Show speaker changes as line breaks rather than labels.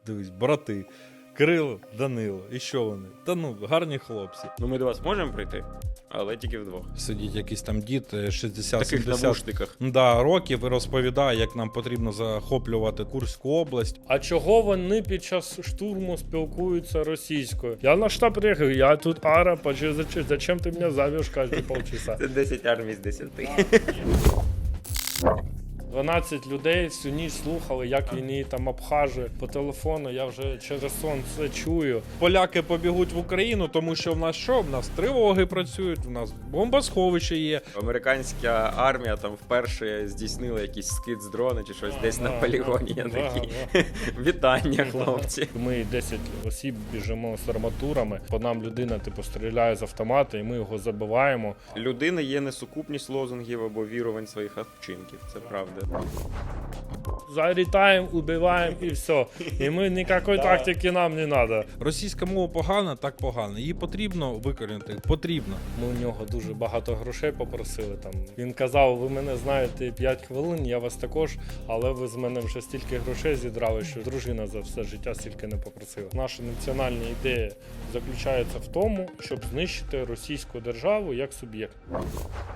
дивись, брати. Кирило, Данило, і що вони? Та ну, гарні хлопці.
Ну ми до вас можемо прийти, але тільки вдвох.
Сидить якийсь там дід
В таких
60-70
навушниках.
років і розповідає, як нам потрібно захоплювати Курську область.
А чого вони під час штурму спілкуються російською? Я на штаб приїхав, я тут араб, а зачем ти мене завеш кожні полчаса?
Це 10 армій з 10.
12 людей всю ніч слухали, як він її там обхажує по телефону, я вже через сон це чую.
Поляки побігуть в Україну, тому що в нас що? В нас тривоги працюють, в нас бомбосховище є.
Американська армія там вперше здійснила якийсь скид з дрона чи щось десь на полігоні. Я такий, вітання, хлопці.
Ми 10 осіб біжимо з арматурами, по нам людина типу стріляє з автомата і ми його забиваємо.
Людини є несукупність лозунгів або вірувань своїх вчинків, це правда.
Залітаємо, убиваємо і все. І ми ніякої тактики нам не треба.
Російська мова погана, так погана. Її потрібно викорінити, потрібно.
Ми у нього дуже багато грошей попросили. Там він казав, ви мене знаєте 5 хвилин, я вас також, але ви з мене вже стільки грошей зідрали, що дружина за все життя стільки не попросила. Наша національна ідея заключається в тому, щоб знищити російську державу як суб'єкт.